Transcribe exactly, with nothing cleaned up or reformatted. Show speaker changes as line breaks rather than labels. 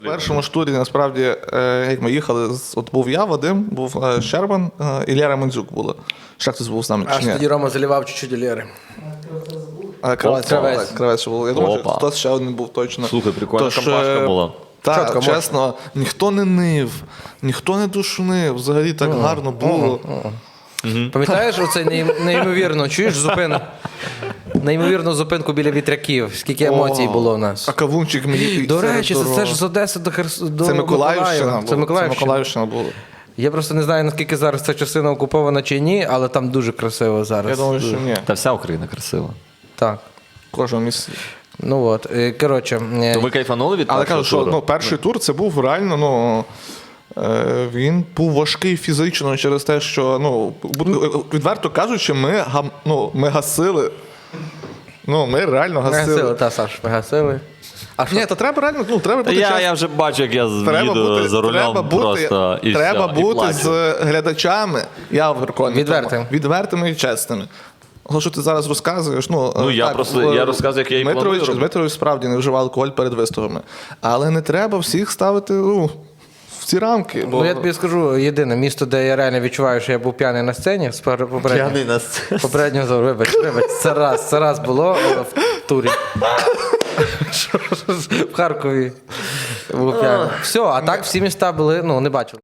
В першому ж турі, насправді, е, як ми їхали, з- от був я, Вадим, був е, Щербан е, і Лера Мандзюк була. Ще хтось був з нами,
Аж
чи ні?
тоді Рома заливав чуть-чуть Лєри.
А, Кравець,
Кравець.
так, Кравець ще був. Я думаю, що
Опа.
хтось ще один був точно.
Слухай, прикольна
Тож,
компашка
е,
була.
Так,
Чітко,
чесно, ніхто не нив, ніхто не душнив, взагалі так гарно було.
Пам'ятаєш оцей неїм- неймовірно, чуєш зупину? Неймовірну зупинку біля вітряків. Скільки емоцій
О,
було у нас.
А кавунчик мені
До
серед
речі, це,
дороги.
це ж з Одеси до Херс... до
Це Миколаївщина
Миколаєва.
була.
Це Миколаївщина.
Це Миколаївщина була.
Я просто не знаю, наскільки зараз ця частина окупована чи ні, але там дуже красиво зараз.
Я думаю, що ні.
Та вся Україна красива.
Так.
Кожен місці.
Ну от, е, коротше. е,
То ви кайфанули від
Але
першого
кажу, що
туру?
ну, перший тур це був реально, ну. е, Він був важкий фізично через те, що, ну, буду- відверто кажучи, ми, гам- ну, ми гасили. Ну, ми реально
Ми гасили,
гасили.
та, Саш, ми гасили. А що?
Ні, то треба реально, ну, треба
Та
бути
я,
чесним.
я вже бачу, як я
Треба
їду
бути,
за рулем
треба бути,
просто і
треба
все, і
бути
плачу.
з глядачами, я переконаний.
Відвертим.
тому, Відвертими і чесними. Але що ти зараз розказуєш? Ну,
Ну,
е,
я просто-
в-
я розказую, як я і
Дмитрович,
планую робити.
Дмитрович справді не вживав алкоголь перед виступами. Але не треба всіх ставити ну, в ці рамки. Бо...
Ну я тобі скажу, єдине місто, де я реально відчуваю, що я був п'яний на сцені, з пер- попереднього.
на сцені.
Попереднього зору, вибач, вибач, це раз, це раз було е, в турі. Що ж, в Харкові був п'яний. Все, а так всі міста були, ну, не бачили.